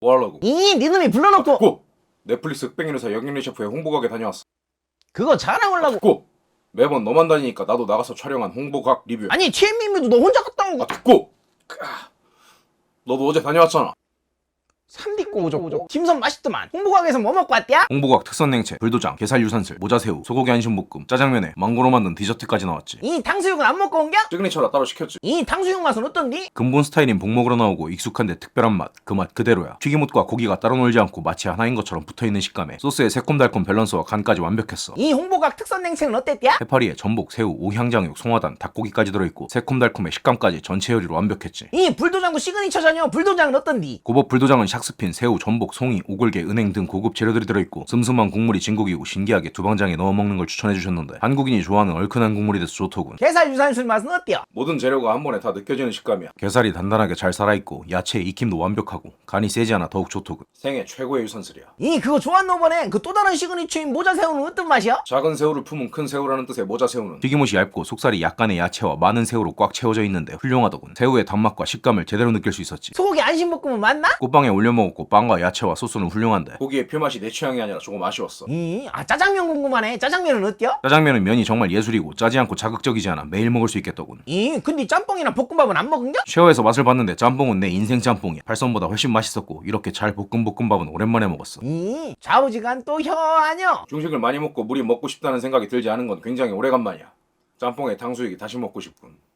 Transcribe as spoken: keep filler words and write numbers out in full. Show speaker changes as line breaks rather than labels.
뭐하려고?
이 니놈이 불러놓고
듣고! 넷플릭스 흑백인회사 영양리 셰프의 홍보각에 다녀왔어.
그거 자랑하려고.
듣고! 매번 너만 다니니까 나도 나가서 촬영한 홍보각 리뷰.
아니 최민미도 너 혼자 갔다 온 거.
아 듣고! 너도 어제 다녀왔잖아.
삼디꼬 오졌고 김선 맛있더만. 홍보각에서 뭐 먹고 왔대야?
홍보각 특선 냉채, 불도장, 게살 유산슬, 모자새우, 소고기 안심볶음, 짜장면에 망고로 만든 디저트까지 나왔지.
이 탕수육은 안 먹고 온겨?
시그니처라 따로 시켰지.
이 탕수육 맛은 어떤디?
근본 스타일인 복먹으로 나오고 익숙한데 특별한 맛, 그 맛 그대로야. 튀김옷과 고기가 따로 놀지 않고 마치 하나인 것처럼 붙어있는 식감에 소스의 새콤달콤 밸런스와 간까지 완벽했어.
이 홍보각 특선 냉채는 어땠대야?
해파리에 전복, 새우, 오향장육, 송화단, 닭고기까지 들어있고 새콤달콤의 식감까지 전체 요리로 완벽했지.
이 불도장도 시그니처잖여. 불도장은 어떤디?
고법 불도장은 샥스핀, 새우, 전복, 송이, 오골계, 은행 등 고급 재료들이 들어있고 슴슴한 국물이 진국이고 신기하게 두방장에 넣어 먹는 걸 추천해주셨는데 한국인이 좋아하는 얼큰한 국물이 돼서 좋더군.
게살 유산슬 맛은 어때요?
모든 재료가 한 번에 다 느껴지는 식감이야. 게살이 단단하게 잘 살아있고 야채의 익힘도 완벽하고 간이 세지 않아 더욱 좋더군. 생애 최고의 유산슬이야.
이 그거 좋았노 보네. 그 또 다른 시그니처인 모자새우는 어떤 맛이야?
작은 새우를 품은 큰 새우라는 뜻의 모자새우는 튀김옷이 얇고 속살이 약간의 야채와 많은 새우로 꽉 채워져 있는데 훌륭하더군. 새우의 단맛과 식감을 제대로 느낄 수 있었지.
소고기 안심볶음은 맞나?
꽃빵에 올려 먹었고 빵과 야채와 소스는 훌륭한데 고기의 표맛이 내 취향이 아니라 조금 아쉬웠어.
이, 아 짜장면 궁금하네. 짜장면은 어때요?
짜장면은 면이 정말 예술이고 짜지 않고 자극적이지 않아 매일 먹을 수 있겠더군.
이, 근데 짬뽕이나 볶음밥은 안 먹은겨?
쉐어에서 맛을 봤는데 짬뽕은 내 인생 짬뽕이야. 팔선보다 훨씬 맛있었고 이렇게 잘 볶은 볶음밥은 오랜만에 먹었어.
이, 좌우지간 또 혀하녀.
중식을 많이 먹고 물이 먹고 싶다는 생각이 들지 않은 건 굉장히 오래간만이야. 짬뽕에 탕수육이 다시 먹고 싶군.